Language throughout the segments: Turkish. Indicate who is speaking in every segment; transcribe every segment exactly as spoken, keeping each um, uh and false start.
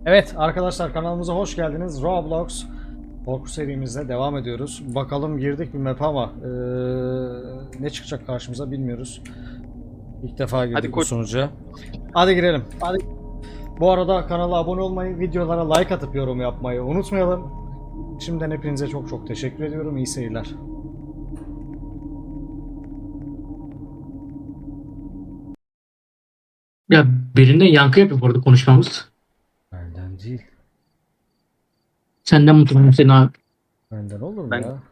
Speaker 1: Evet arkadaşlar, kanalımıza hoş geldiniz. Roblox korku serimizle devam ediyoruz. Bakalım, girdik bir map ama ee, ne çıkacak karşımıza bilmiyoruz. İlk defa girdik
Speaker 2: Hadi
Speaker 1: bu
Speaker 2: koş.
Speaker 1: sunucuya. Hadi girelim. Hadi. Bu arada kanala abone olmayı, videolara like atıp yorum yapmayı unutmayalım. Şimdiden hepinize çok çok teşekkür ediyorum. İyi seyirler.
Speaker 3: Ya birinde yankı yapıyor bu arada konuşmamız.
Speaker 1: Benden değil.
Speaker 3: Senden mutluyum seni abi.
Speaker 1: Benden olur mu
Speaker 2: Ben-
Speaker 1: ya?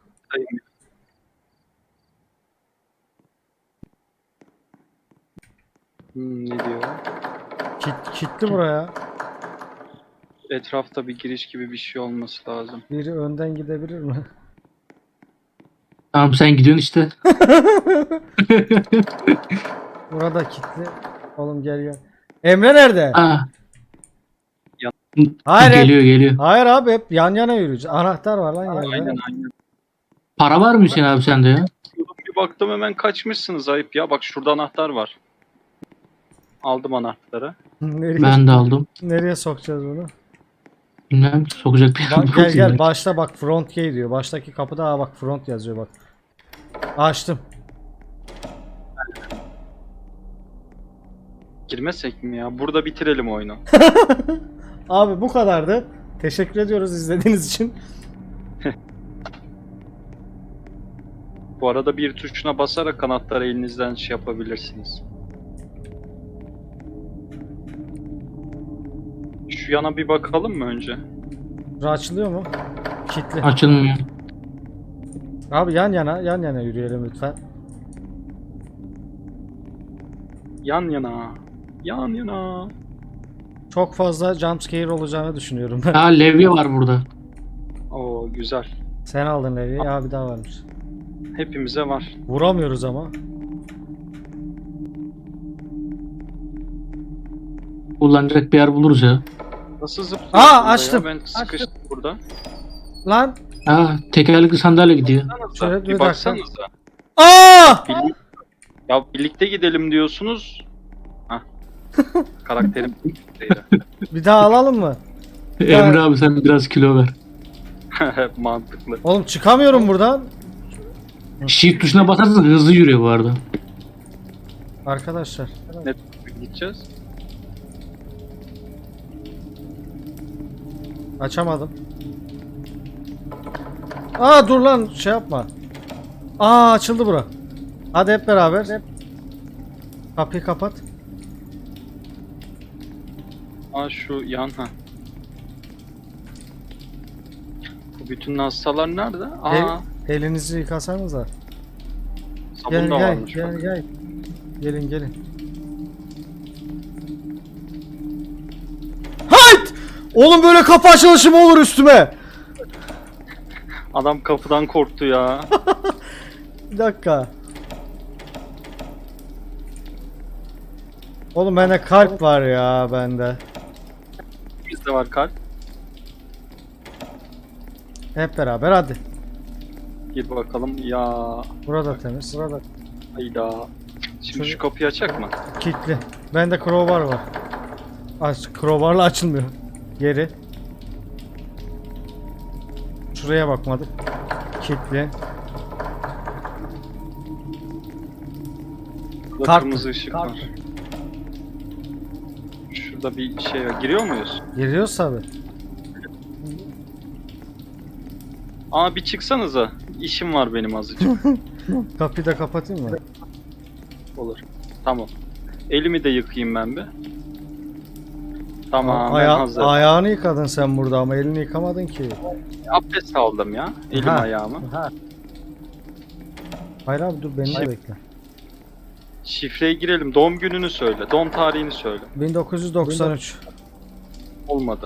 Speaker 2: Hmm, ne diyor?
Speaker 1: Kit, kitli buraya.
Speaker 2: Etrafta bir giriş gibi bir şey olması lazım.
Speaker 1: Biri önden gidebilir mi?
Speaker 3: Tamam sen gidiyorsun işte.
Speaker 1: Burada kilitli. Oğlum gel gel. Emre nerede?
Speaker 3: Aa.
Speaker 2: Ya-
Speaker 1: Hayır.
Speaker 3: Geliyor geliyor.
Speaker 1: Hayır abi, hep yan yana yürüyeceğiz. Anahtar var lan yerde.
Speaker 2: Aynen aynen.
Speaker 3: Para var mı Hüseyin abi sende ya?
Speaker 2: Bir baktım hemen kaçmışsınız, ayıp ya. Bak şurada anahtar var. Aldım anahtarı.
Speaker 1: Nereye,
Speaker 3: Ben de aldım.
Speaker 1: nereye sokacağız bunu?
Speaker 3: Bilmem sokacak bir
Speaker 1: Bak,
Speaker 3: yer
Speaker 1: gel
Speaker 3: yok
Speaker 1: gel
Speaker 3: yani.
Speaker 1: başta bak, front gate diyor. Baştaki kapıda ha bak, front yazıyor bak. Açtım.
Speaker 2: Girmesek mi ya? Burada bitirelim oyunu.
Speaker 1: Abi bu kadardı. Teşekkür ediyoruz izlediğiniz için.
Speaker 2: Bu arada bir tuşuna basarak anahtarı elinizden şey yapabilirsiniz. Şu yana bir bakalım mı önce?
Speaker 1: Bura açılıyor mu? Kilitli.
Speaker 3: Açılmıyor.
Speaker 1: Abi yan yana yan yana yürüyelim lütfen.
Speaker 2: Yan yana. Yan yana.
Speaker 1: Çok fazla jumpscare olacağını düşünüyorum ben.
Speaker 3: Ha levye var burada.
Speaker 2: Oo güzel.
Speaker 1: Sen aldın evi. Ya bir daha varmış.
Speaker 2: Hepimize var.
Speaker 1: Vuramıyoruz ama.
Speaker 3: Kullanacak bir yer buluruz ya.
Speaker 2: Nasıl zıplıyorsun?
Speaker 1: Aa,
Speaker 2: burada ya?
Speaker 1: açtım.
Speaker 2: Ben sıkıştım burada.
Speaker 1: Lan.
Speaker 3: Ha tekerlekli sandalye gidiyor.
Speaker 1: Şöyle bir
Speaker 2: Bir
Speaker 1: dakika.
Speaker 2: baksanıza.
Speaker 1: Aa!
Speaker 2: Birlik- Ya birlikte gidelim diyorsunuz. Hah. Karakterim
Speaker 1: Bir daha alalım mı?
Speaker 3: Emre abi sen biraz kilo ver.
Speaker 2: mantıklı.
Speaker 1: Oğlum çıkamıyorum buradan.
Speaker 3: Shift tuşuna basarsan hızlı yürüyor bu arada.
Speaker 1: Arkadaşlar.
Speaker 2: Ne gideceğiz?
Speaker 1: Açamadım. Aa dur lan, şey yapma. Aa açıldı bura. Hadi hep beraber. Kapıyı kapat.
Speaker 2: Aa şu yan ha. Bu bütün hastalar nerede? Aa
Speaker 1: El, elinizi yıkasanıza.
Speaker 2: sabun
Speaker 1: Gel
Speaker 2: da
Speaker 1: gel
Speaker 2: varmış.
Speaker 1: gel
Speaker 2: bak.
Speaker 1: gel. Gelin gelin. Hayt! Oğlum böyle kapı açılışı mı olur üstüme?
Speaker 2: Adam kapıdan korktu ya.
Speaker 1: Bir dakika. Oğlum bende kalp var ya, bende.
Speaker 2: Bizde var kalp.
Speaker 1: Hep beraber hadi.
Speaker 2: Gir bakalım ya.
Speaker 1: Burada temiz. Burada
Speaker 2: Hayda. Şimdi
Speaker 1: Şöyle-
Speaker 2: şu kapıyı açak mı?
Speaker 1: kilitli. Bende crowbar var. Aç, crowbarla açılmıyor. Geri. Şuraya bakmadık. Kilitli.
Speaker 2: Burada
Speaker 1: Kart.
Speaker 2: kırmızı ışık
Speaker 1: Kart.
Speaker 2: var. Şurada bir şey var. Giriyor muyuz?
Speaker 1: Giriyoruz tabi.
Speaker 2: Aa bir çıksanıza. İşim var benim azıcık.
Speaker 1: Kapıyı da kapatayım mı?
Speaker 2: Olur. Tamam. Elimi de yıkayayım ben bir. Tamam ben
Speaker 1: Aya-
Speaker 2: hazırım.
Speaker 1: ayağını yıkadın sen burada ama elini yıkamadın ki.
Speaker 2: Abdest aldım ya. Elim
Speaker 1: Ha.
Speaker 2: ayağımı.
Speaker 1: Hayır abi dur, beni de
Speaker 2: Şey-
Speaker 1: bekle.
Speaker 2: Şifreye girelim. Doğum gününü söyle. Doğum tarihini söyle.
Speaker 1: bin dokuz yüz doksan üç.
Speaker 2: Olmadı.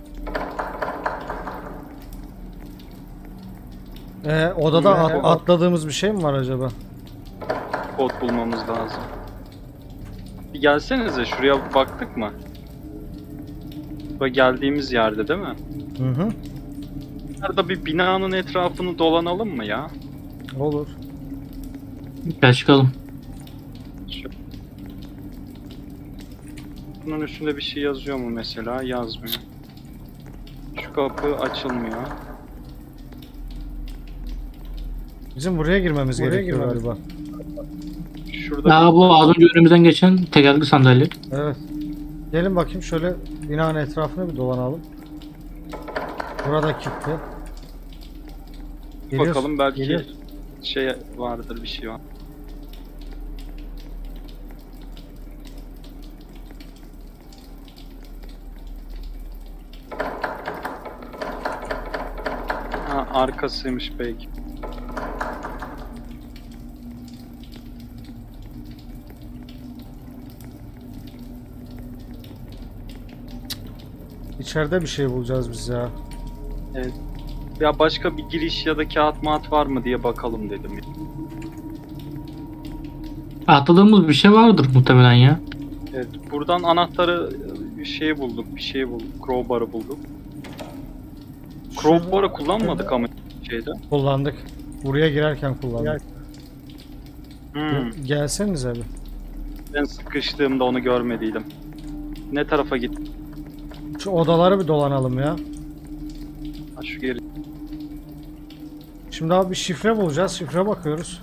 Speaker 1: Ee, odada
Speaker 2: Ee,
Speaker 1: at- atladığımız bir şey mi var acaba?
Speaker 2: Kod bulmamız lazım. Bir gelsenize. Şuraya baktık mı? Bak geldiğimiz yerde değil mi?
Speaker 1: Hı hı.
Speaker 2: Nerede bir binanın etrafını dolanalım mı ya?
Speaker 1: Olur.
Speaker 3: Gel çıkalım.
Speaker 2: Şu... Bunun üstünde bir şey yazıyor mu mesela? Yazmıyor. Şu kapı açılmıyor.
Speaker 1: Bizim buraya girmemiz
Speaker 4: Buraya
Speaker 1: gerekiyor
Speaker 4: girmemiz-
Speaker 1: galiba.
Speaker 2: Şurada
Speaker 3: Aa, bu az önce önümüzden geçen tekerlekli sandalye.
Speaker 1: Evet. Gelin bakayım şöyle binanın etrafını bir dolanalım. Burada kilitli.
Speaker 2: bir
Speaker 1: Geliyor,
Speaker 2: bakalım belki
Speaker 1: geliyor.
Speaker 2: şey vardır, bir şey var. Ha, arkasıymış belki.
Speaker 1: İçeride bir şey bulacağız biz ya.
Speaker 2: Evet. Ya başka bir giriş ya da kağıt mağat var mı diye bakalım dedim.
Speaker 3: Atladığımız bir şey vardır muhtemelen ya.
Speaker 2: Evet, buradan anahtarı bir şey bulduk, bir şey bulduk. Crowbar'ı bulduk. Crowbar'ı kullanmadık ama şeyde.
Speaker 1: Kullandık. Buraya girerken kullandık.
Speaker 2: Hmm,
Speaker 1: Gelsenize bir.
Speaker 2: ben sıkıştığımda onu görmediydim. Ne tarafa git?
Speaker 1: Şu odaları bir dolanalım ya.
Speaker 2: Ha, şu geri.
Speaker 1: Şimdi abi bir şifre bulacağız. Şifre bakıyoruz.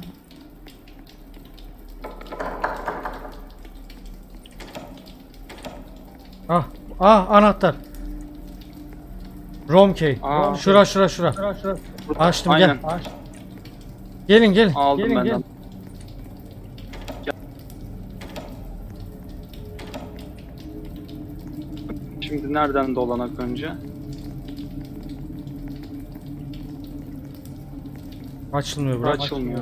Speaker 1: Ah, ah anahtar. Romkey.
Speaker 2: Aa.
Speaker 1: Şura şura şura. Açtım
Speaker 2: Aynen.
Speaker 1: gel. Gelin gelin.
Speaker 2: Aldım
Speaker 1: gelin,
Speaker 2: ben.
Speaker 1: gelin.
Speaker 2: Şimdi nereden dolanak önce?
Speaker 1: Açılmıyor
Speaker 2: Bu
Speaker 1: bırak.
Speaker 2: açılmıyor.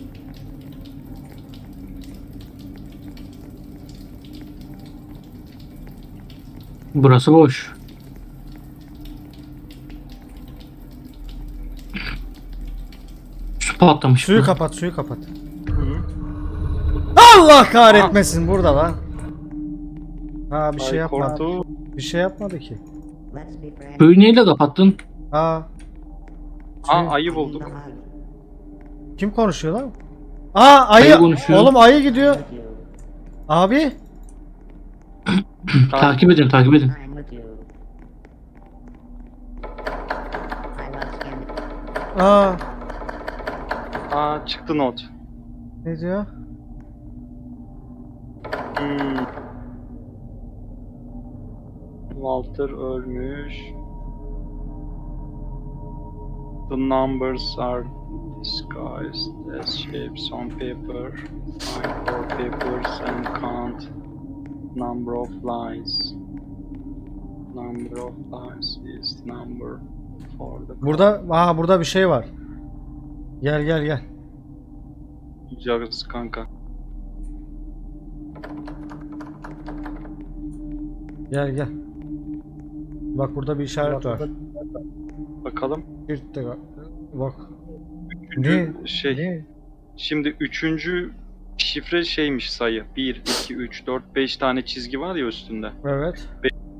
Speaker 3: Burası boş. Su patlamış.
Speaker 1: Suyu
Speaker 3: bu.
Speaker 1: kapat, suyu kapat.
Speaker 2: Hı.
Speaker 1: Allah kahretmesin burada lan. Ha bir şey
Speaker 2: Ay,
Speaker 1: yapmadı.
Speaker 2: korktu.
Speaker 1: Bir şey yapmadı ki.
Speaker 4: Let's be friends.
Speaker 3: Suyu neyle kapattın?
Speaker 1: Ha
Speaker 2: Ha, ayı bulduk.
Speaker 1: kim konuşuyor lan? Aa ayı.
Speaker 3: Ayı konuşuyor.
Speaker 1: Oğlum ayı gidiyor. Abi.
Speaker 3: Takip edin, takip edin.
Speaker 4: I'm with you. I love candy.
Speaker 1: Aa
Speaker 2: Aa, çıktı not.
Speaker 1: ne diyor?
Speaker 2: Hmm. Walter ölmüş. The numbers are disguised as shapes on paper. Find four papers and count number of lines. Number of lines is number for the
Speaker 1: Burada aha burada bir şey var. Gel gel gel.
Speaker 2: Bulacağız kanka.
Speaker 1: Gel gel. Bak burada bir işaret var.
Speaker 2: Bakalım.
Speaker 1: Bir dakika. Bak.
Speaker 2: Üçüncü
Speaker 1: Ne?
Speaker 2: şey.
Speaker 1: Ne?
Speaker 2: Şimdi üçüncü şifre şeymiş sayı. bir, iki, üç, dört, beş tane çizgi var ya üstünde.
Speaker 1: Evet.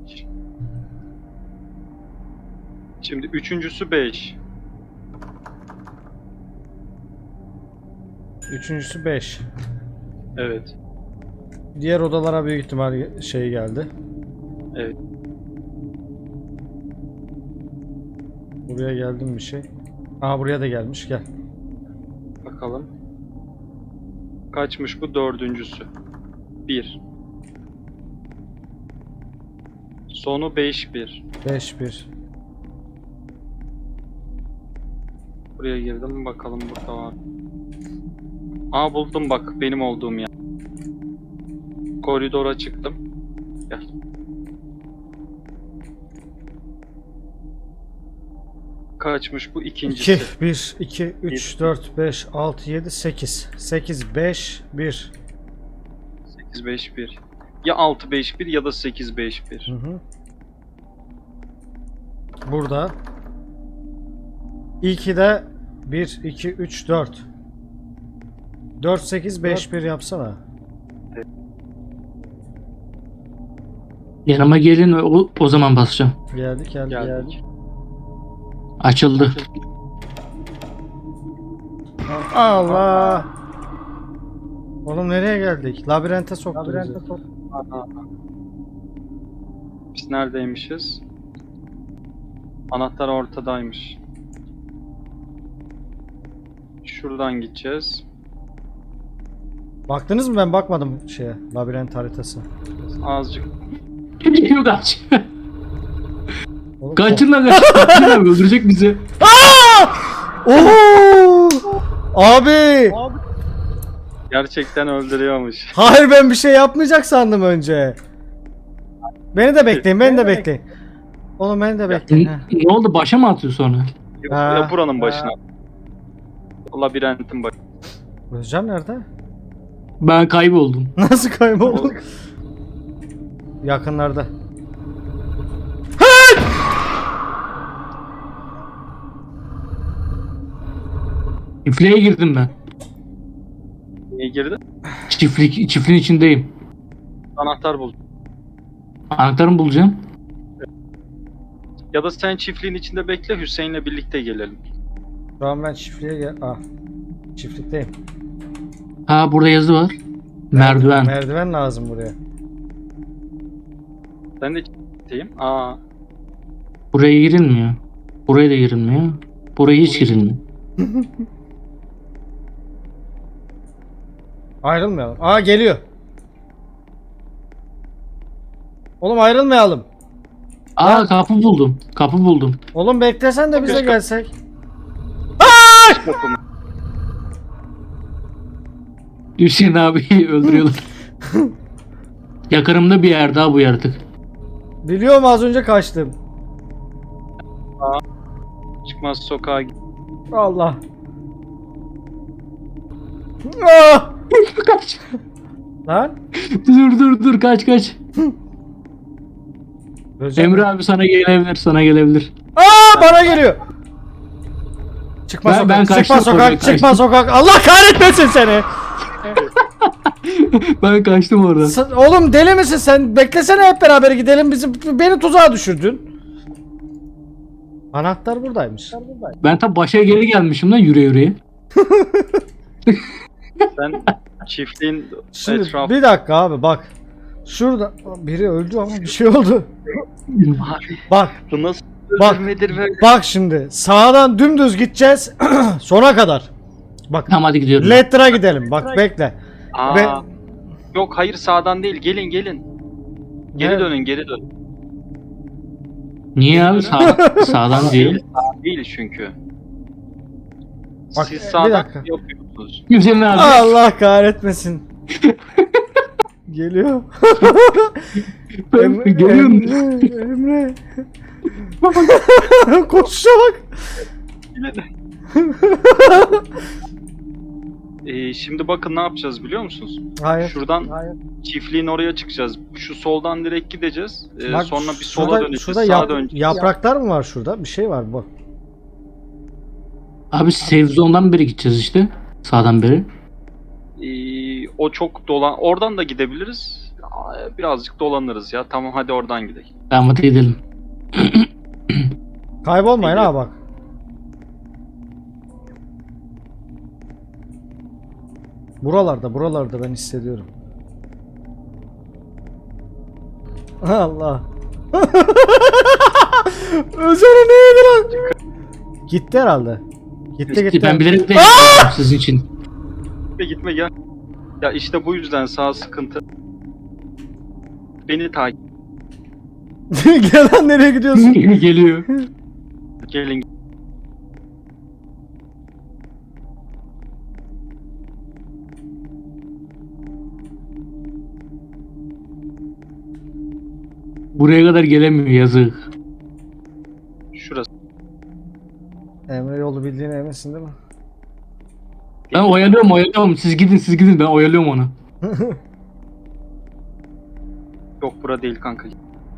Speaker 2: Şimdi üçüncüsü beş.
Speaker 1: Üçüncüsü beş.
Speaker 2: Evet.
Speaker 1: Diğer odalara büyük ihtimal şey geldi.
Speaker 2: Evet.
Speaker 1: Buraya geldim bir şey. Aha buraya da gelmiş gel.
Speaker 2: Bakalım. Kaçmış bu dördüncüsü? bir. Sonu beş bir.
Speaker 1: beş bir.
Speaker 2: Buraya girdim bakalım burada var. Aa, buldum bak benim olduğum yer. Koridora çıktım. Gel. Kaçmış bu ikincisi?
Speaker 1: iki, bir, iki, üç, dört, beş, altı, yedi, sekiz. sekiz, beş, bir.
Speaker 2: sekiz beş bir. Ya altı beş bir ya da sekiz beş bir.
Speaker 1: Hı hı. Burada. İlki de bir, iki, üç, dört. dört, sekiz, beş, bir yapsana.
Speaker 3: Yanıma gelin, o, o zaman basacağım.
Speaker 1: Geldik geldik
Speaker 2: Geldik.
Speaker 1: geldik.
Speaker 3: Açıldı.
Speaker 1: Allah! Oğlum nereye geldik? Labirente soktu
Speaker 4: Labirente
Speaker 1: bizi.
Speaker 4: soktu.
Speaker 2: Aha. Biz neredeymişiz? Anahtar ortadaymış. Şuradan gideceğiz.
Speaker 1: Baktınız mı? Ben bakmadım şeye. Labirent haritası.
Speaker 2: Azıcık.
Speaker 3: Geliyor kaç.
Speaker 1: Oğlum,
Speaker 3: Kaçın lan kaç. Kaçın abi öldürecek bizi.
Speaker 1: Oo! Abi!
Speaker 2: Gerçekten öldürüyormuş.
Speaker 1: Hayır, ben bir şey yapmayacak sandım önce. Beni de bekleyin, beni de bekleyin. Oğlum beni de bekleyin.
Speaker 3: Ne,
Speaker 1: ha.
Speaker 3: ne oldu başa mı atıyor sonra?
Speaker 2: Yok,
Speaker 1: Ha,
Speaker 2: ya buranın başına.
Speaker 1: ha.
Speaker 2: Labirentin başına.
Speaker 1: Özcan nerede?
Speaker 3: Ben kayboldum.
Speaker 1: Nasıl kayboldu? Yakınlarda.
Speaker 3: Çiftliğe girdim ben.
Speaker 2: Niye girdi?
Speaker 3: Çiftlik, çiftliğin içindeyim.
Speaker 2: Anahtar buldum.
Speaker 3: Anahtarımı bulacağım.
Speaker 2: Ya da sen çiftliğin içinde bekle, Hüseyin'le birlikte gelelim.
Speaker 1: Şu an ben çiftliğe gel... Ah. Çiftlikteyim.
Speaker 3: Ha burada yazı var. Merdiven.
Speaker 1: Merdiven lazım buraya.
Speaker 2: Ben de çiftlikteyim. Aa,
Speaker 3: Buraya girilmiyor. Buraya da girilmiyor. Buraya hiç girilmiyor.
Speaker 1: Ayrılmayalım. Aa, geliyor. Oğlum ayrılmayalım.
Speaker 3: Aa kapı buldum. Kapı buldum.
Speaker 1: Oğlum beklesen de bize
Speaker 2: Keşke-
Speaker 1: gelsek.
Speaker 2: kapımı.
Speaker 3: Hüseyin abi öldürüyorlar. Yakınımda bir yer daha bu yaratık.
Speaker 1: Biliyorum, az önce kaçtım.
Speaker 2: Çıkmaz sokağa git.
Speaker 1: Allah. Ah!
Speaker 3: Kaç.
Speaker 1: Lan.
Speaker 3: Dur dur dur kaç kaç.
Speaker 1: Özcan-
Speaker 3: Emre abi sana gelebilir sana gelebilir.
Speaker 1: Aa, bana geliyor. Çıkma
Speaker 3: Ben-
Speaker 1: sokak.
Speaker 3: ben
Speaker 1: çıkma
Speaker 3: kaçtım,
Speaker 1: sokak.
Speaker 3: oraya
Speaker 1: Çıkma
Speaker 3: kaçtım.
Speaker 1: sokak. Allah kahretmesin seni.
Speaker 3: Ben kaçtım oradan.
Speaker 1: Sen- oğlum deli misin sen? Beklesene, hep beraber gidelim. Bizi beni tuzağa düşürdün. Anahtar buradaymış.
Speaker 3: Ben tam başa geri gelmişim lan yürüye yürüye.
Speaker 2: Ben çiftliğin
Speaker 1: Şimdi
Speaker 2: etrafı...
Speaker 1: bir dakika abi, bak. Şurada biri öldü ama bir şey oldu.
Speaker 2: Abi,
Speaker 1: Bak.
Speaker 2: bu nasıl
Speaker 1: Bak.
Speaker 2: öldürmedir ve...
Speaker 1: Bak şimdi. Sağdan dümdüz gideceğiz. Sona kadar. Bak.
Speaker 3: Tamam hadi gidiyorum.
Speaker 1: Letter'a gidelim. Bak bekle.
Speaker 2: Aa,
Speaker 1: Ve-
Speaker 2: Yok hayır, sağdan değil, gelin gelin. Geri
Speaker 1: Ne?
Speaker 2: dönün, geri dön.
Speaker 3: Niye abi Sağ, sağdan değil.
Speaker 2: Sağ değil çünkü.
Speaker 1: Bak,
Speaker 2: Siz
Speaker 1: bir
Speaker 2: sağdan
Speaker 1: dakika.
Speaker 2: yapıyorsunuz.
Speaker 3: Hüseyin abi.
Speaker 1: Allah kahretmesin. Geliyor. Emre,
Speaker 3: Geliyorum.
Speaker 1: Emre, Emre. Koşuşa bak.
Speaker 2: Ee, şimdi bakın ne yapacağız biliyor musunuz?
Speaker 1: Hayır.
Speaker 2: Şuradan
Speaker 1: Hayır.
Speaker 2: çiftliğin oraya çıkacağız. Şu soldan direkt gideceğiz. Ee,
Speaker 1: Bak,
Speaker 2: sonra bir sola
Speaker 1: şurada,
Speaker 2: döneceğiz.
Speaker 1: şurada
Speaker 2: Sağa
Speaker 1: yap-
Speaker 2: döneceğiz.
Speaker 1: yapraklar mı var şurada? Bir şey var bak.
Speaker 3: Abi save zone'dan beri gideceğiz işte. Sağdan beri.
Speaker 2: Ee, o çok dolan. Oradan da gidebiliriz. Aa, Birazcık dolanırız ya. Tamam hadi oradan gidelim.
Speaker 3: Tamam hadi gidelim.
Speaker 1: Kaybolmayın ha bak. Buralarda, buralarda ben hissediyorum. Allah. Özene neydi lan? Gitti herhalde. Gitti gitti.
Speaker 3: Ben bilerek de sizin için.
Speaker 2: Gitme gitme gel. Ya işte bu yüzden sağ sıkıntı. Beni takip
Speaker 1: Gel lan, nereye gidiyorsun?
Speaker 3: Geliyor.
Speaker 2: gelin.
Speaker 3: Buraya kadar gelemiyor yazık.
Speaker 2: Şurası.
Speaker 1: Emre yolu bildiğine eminsin değil mi?
Speaker 3: Ben oyalıyorum oyalıyorum. Siz gidin siz gidin ben oyalıyorum onu.
Speaker 2: Yok bura değil kanka.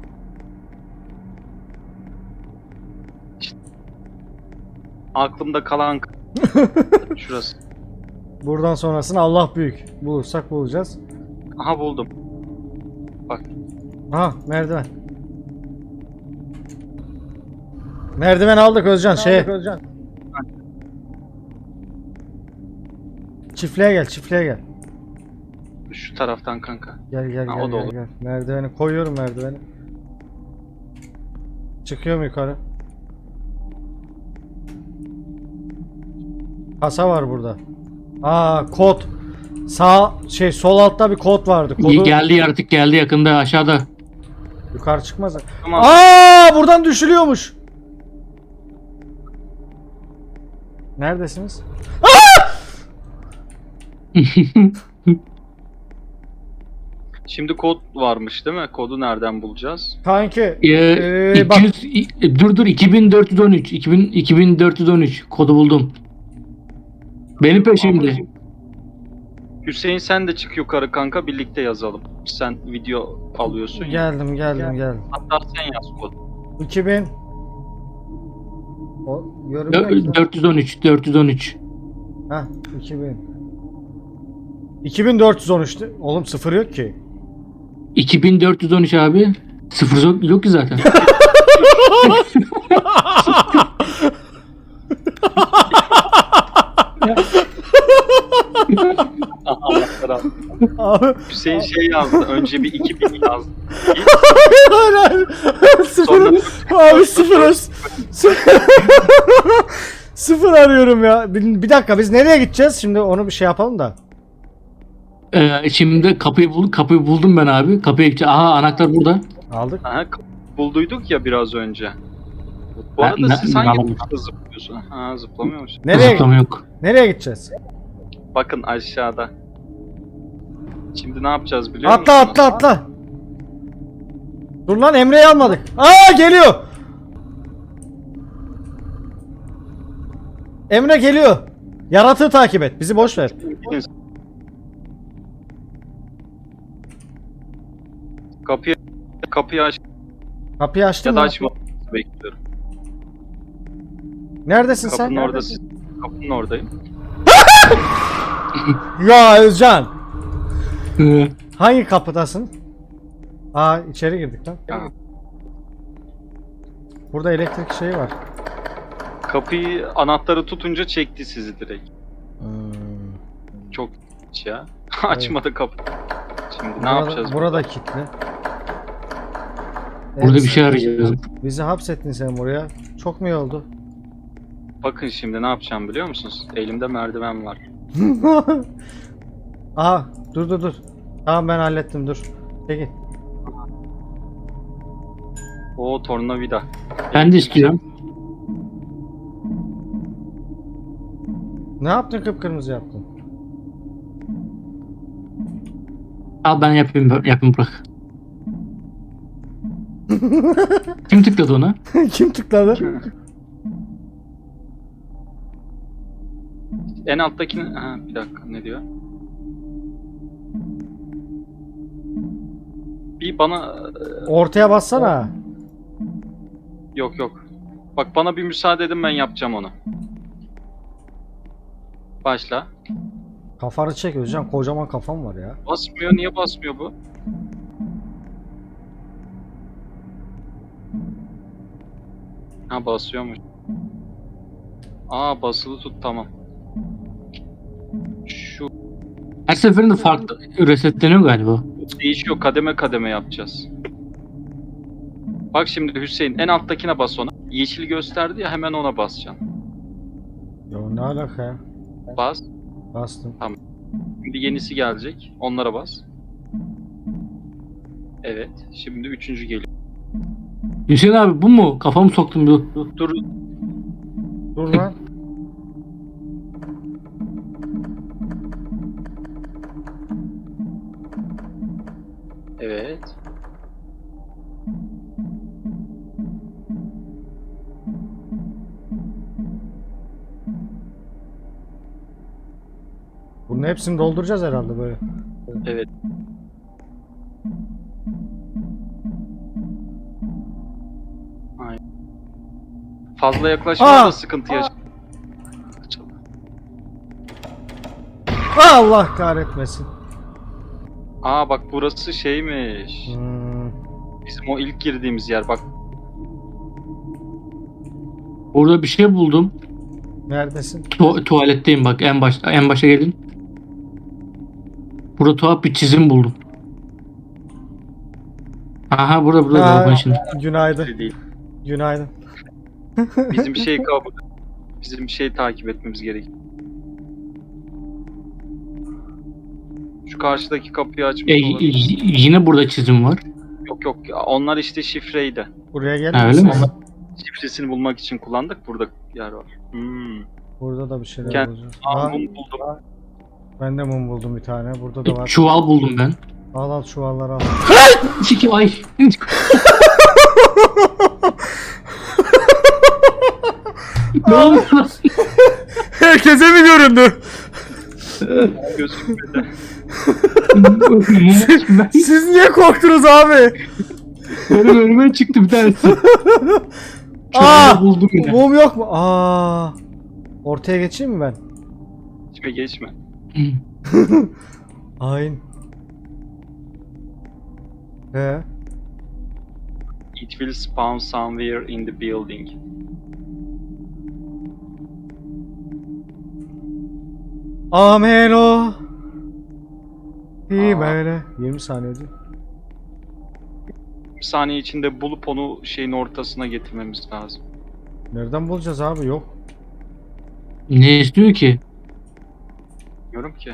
Speaker 2: İşte. Aklımda kalan şurası.
Speaker 1: Buradan sonrasını Allah büyük. Bulursak bulacağız.
Speaker 2: Aha buldum. Bak.
Speaker 1: Ha, merdiven. Merdiven aldık Özcan. Şey. Çiftliğe gel, çiftliğe gel.
Speaker 2: Şu taraftan kanka.
Speaker 1: Gel gel
Speaker 2: Ha,
Speaker 1: gel,
Speaker 2: o da
Speaker 1: gel,
Speaker 2: olur.
Speaker 1: gel. Merdiveni koyuyorum, merdiveni. Çıkıyorum yukarı. Kasa var burada. Aa kod. Sağ şey sol altta bir kod vardı. Kodu
Speaker 3: Geldi yaratık geldi yakında aşağıda.
Speaker 1: yukarı çıkmaz.
Speaker 2: Tamam.
Speaker 1: Aa buradan düşülüyormuş. Neredesiniz?
Speaker 2: Şimdi kod varmış değil mi? Kodu nereden bulacağız?
Speaker 1: Kanki.
Speaker 3: Ee,
Speaker 1: ee, bak
Speaker 3: iki yüz i- dur dur iki bin dört yüz on üç iki bin iki bin dört yüz on üç kodu buldum. Benim peşimde.
Speaker 2: Hüseyin sen de çık yukarı kanka, birlikte yazalım. Sen video alıyorsun ya.
Speaker 1: geldim geldim geldim.
Speaker 2: Hatta sen yaz kodu.
Speaker 1: iki bin. O yorum
Speaker 3: Dö- dört yüz on üç dört yüz on üç.
Speaker 1: Heh iki bin. iki bin dört yüz on üçtü. Oğlum sıfır yok ki.
Speaker 3: iki bin dört yüz on üç abi. Sıfır yok, yok ki zaten.
Speaker 2: Allah'lar Allah.
Speaker 1: Abi
Speaker 2: Hüseyin şey yazdı. Önce bir iki bin yazdı.
Speaker 1: hayır hayır. Sıfır. Abi sıfır. Sıfır arıyorum ya. Bir, bir dakika biz nereye gideceğiz? Şimdi onu bir şey yapalım da.
Speaker 3: Ee, şimdi kapıyı bul kapıyı buldum ben abi. Kapıya gideceğim. Aha anahtar burada.
Speaker 1: Aldık.
Speaker 2: Aha, bulduyduk ya biraz önce. Bu
Speaker 3: Ha,
Speaker 2: arada
Speaker 3: ne-
Speaker 2: siz
Speaker 3: ne
Speaker 2: hangi
Speaker 3: yapalım?
Speaker 2: tuşla zıplıyorsun? Ha, zıplamıyor musun?
Speaker 1: Nereye
Speaker 3: Zıplama yok.
Speaker 1: nereye gideceğiz?
Speaker 2: Bakın aşağıda. Şimdi ne yapacağız biliyor
Speaker 1: Atla
Speaker 2: musunuz?
Speaker 1: atla atla. Dur lan Emre'yi almadık. Aa geliyor. Emre geliyor. Yaratığı takip et. Bizi boş ver.
Speaker 2: Kapıyı kapıyı aç
Speaker 1: Kapıyı açtın
Speaker 2: ya da
Speaker 1: mı?
Speaker 2: açma bekliyorum.
Speaker 1: Neredesin
Speaker 2: Kapının
Speaker 1: sen?
Speaker 2: orada siz, kapının oradayım.
Speaker 1: Ya Özcan.
Speaker 3: Ee,
Speaker 1: Hangi kapıdasın? Aa içeri girdik lan.
Speaker 2: Ha.
Speaker 1: Burada elektrik şeyi var.
Speaker 2: Kapıyı anahtarı tutunca çekti sizi direkt.
Speaker 1: Hmm.
Speaker 2: Çok ya. Açmadı kapı. Şimdi ne
Speaker 1: Burada,
Speaker 2: yapacağız?
Speaker 1: burada kilitli.
Speaker 3: burada
Speaker 1: Evet,
Speaker 3: bir şey arayacağız.
Speaker 1: bizi hapsettin sen buraya. Çok mu iyi oldu?
Speaker 2: Bakın şimdi ne yapacağım biliyor musunuz? Elimde merdiven var.
Speaker 1: Aha dur dur dur. Tamam ben hallettim dur. Peki.
Speaker 2: O tornavida.
Speaker 3: Ben de istiyorum.
Speaker 1: Ne yaptın kıpkırmızı yaptın?
Speaker 3: Al ben yapayım yapayım bırak. Kim tıkladı ona?
Speaker 1: Kim tıkladı?
Speaker 2: En alttakini... Ha, bir dakika ne diyor? Bir bana...
Speaker 1: Ortaya bassana.
Speaker 2: Yok yok. Bak bana bir müsaade edin, ben yapacağım onu. Başla.
Speaker 1: Kafanı çek Özcan, kocaman kafam var ya.
Speaker 2: Basmıyor, niye basmıyor bu? Ha basıyormuş. Aa basılı tut, tamam. Şu
Speaker 3: Her seferinde farklı resetleniyor galiba.
Speaker 2: değişiyor, kademe kademe yapacağız. Bak şimdi Hüseyin en alttakine bas ona. Yeşil gösterdi ya, hemen ona basacaksın.
Speaker 1: Ya ne alaka ya?
Speaker 2: Bas.
Speaker 1: Bastım.
Speaker 2: Şimdi yenisi gelecek. Onlara bas. Evet. Şimdi üçüncü geliyor.
Speaker 3: Hüseyin abi bu mu? Kafamı soktum dur. dur.
Speaker 2: Dur.
Speaker 1: Dur lan.
Speaker 2: Evet.
Speaker 1: Bunun hepsini dolduracağız herhalde böyle.
Speaker 2: Evet. Aynen. Fazla yaklaşmaya
Speaker 1: Aa!
Speaker 2: da sıkıntı yaşa.
Speaker 1: Allah kahretmesin.
Speaker 2: Aa bak burası şeymiş.
Speaker 1: Hmm.
Speaker 2: Bizim o ilk girdiğimiz yer. Bak
Speaker 3: Orada bir şey buldum.
Speaker 1: Neredesin?
Speaker 3: Tu- tuvaletteyim bak en başta en başa gelin. Burada tuhaf bir çizim buldum. Aha burada burada
Speaker 1: Aa,
Speaker 3: bakın şimdi.
Speaker 1: günaydın.
Speaker 2: değil.
Speaker 1: Günaydın.
Speaker 2: Bizim şey kabul. Bizim şey takip etmemiz gerek. Şu karşıdaki kapıyı açmış
Speaker 3: E, y-
Speaker 2: olabilir.
Speaker 3: y- yine burada çizim var.
Speaker 2: Yok yok, onlar işte şifreydi.
Speaker 1: Buraya gelir
Speaker 3: Ha, öyle
Speaker 1: misiniz?
Speaker 3: mi?
Speaker 2: Şifresini bulmak için kullandık. Burada yer var. Hmm.
Speaker 1: Burada da bir şeyler
Speaker 2: Gel.
Speaker 1: bulacağız.
Speaker 2: Aa,
Speaker 1: Aa,
Speaker 2: mum buldum.
Speaker 1: ben de mum buldum bir tane. Burada da
Speaker 3: Bir
Speaker 1: var.
Speaker 3: çuval buldum ben.
Speaker 1: Al al çuvalları al.
Speaker 3: Çiki ay. Ne oluyor lan?
Speaker 1: Herkese mi göründü?
Speaker 2: Gözükmedi.
Speaker 3: Ben-
Speaker 1: Siz niye korktunuz abi?
Speaker 3: Benim önüme çıktı bir tanesi.
Speaker 1: Aa!
Speaker 3: Çuvalı buldum yine.
Speaker 1: Mum yok mu? Aa! Ortaya geçeyim mi ben?
Speaker 2: Geçme geçme.
Speaker 1: Hain. He.
Speaker 2: It will spawn somewhere in the building.
Speaker 1: Amen o. İyi böyle. yirmi saniye değil.
Speaker 2: Bir saniye içinde bulup onu şeyin ortasına getirmemiz lazım.
Speaker 1: Nereden bulacağız abi? Yok.
Speaker 3: Ne istiyor ki?
Speaker 2: Bilmiyorum ki.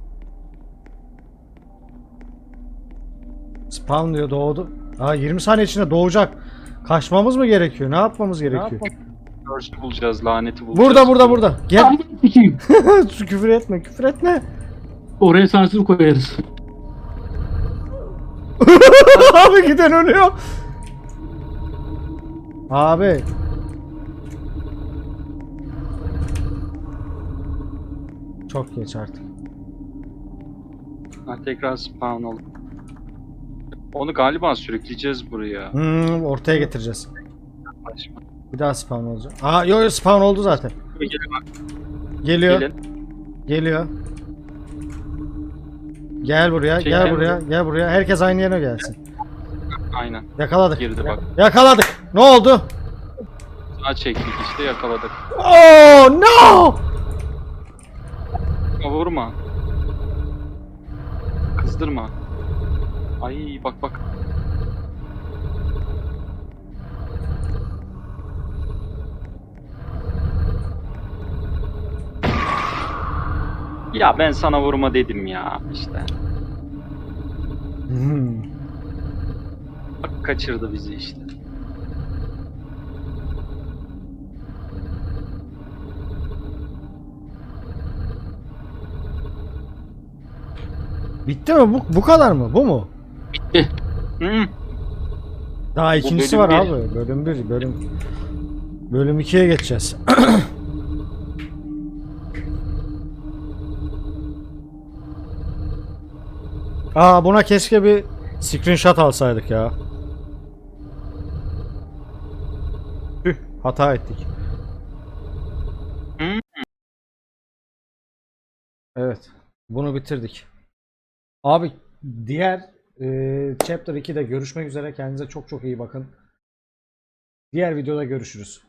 Speaker 1: Spawn diyor doğdu. Aa yirmi saniye içinde doğacak. Kaçmamız mı gerekiyor? Ne yapmamız gerekiyor?
Speaker 2: Curse'ü bulacağız, laneti bulacağız.
Speaker 1: Burada burada burada. Gel.
Speaker 3: Amına sikeyim.
Speaker 1: Küfür etme, küfür etme.
Speaker 3: Oraya sansür koyarız.
Speaker 1: Abi giden ölüyor. Abi. Çok geç artık.
Speaker 2: Ha, tekrar spawn oldu. Onu galiba sürükleyeceğiz buraya.
Speaker 1: Hmm, ortaya getireceğiz.
Speaker 2: Saçma.
Speaker 1: Bir daha spawn olacak. Aa yok yok spawn oldu zaten.
Speaker 2: Gelin,
Speaker 1: Geliyor.
Speaker 2: gelin.
Speaker 1: Geliyor. Gel buraya,
Speaker 2: Şey,
Speaker 1: gel
Speaker 2: gel
Speaker 1: buraya, gel buraya. Herkes aynı yere gelsin.
Speaker 2: Aynen.
Speaker 1: Yakaladık.
Speaker 2: Girdi bak.
Speaker 1: Yakaladık. Ne oldu?
Speaker 2: Sağa çektik işte, yakaladık.
Speaker 1: Oh no!
Speaker 2: Ama vurma. Kızdırma. Ay bak bak. Ya ben sana vurma dedim ya işte.
Speaker 1: Hmm.
Speaker 2: Bak kaçırdı bizi işte.
Speaker 1: Bitti mi? Bu, bu kadar mı? Bu mu?
Speaker 3: Bitti.
Speaker 2: Hı.
Speaker 1: Daha
Speaker 2: Bu
Speaker 1: ikincisi
Speaker 2: bölüm
Speaker 1: var
Speaker 2: bir.
Speaker 1: abi. Bölüm bir, bölüm bölüm ikiye geçeceğiz. Aa buna keşke bir screenshot alsaydık ya. Tüh, hata ettik.
Speaker 2: Hı?
Speaker 1: Evet, bunu bitirdik. Abi diğer e, Chapter ikide görüşmek üzere. Kendinize çok çok iyi bakın. Diğer videoda görüşürüz.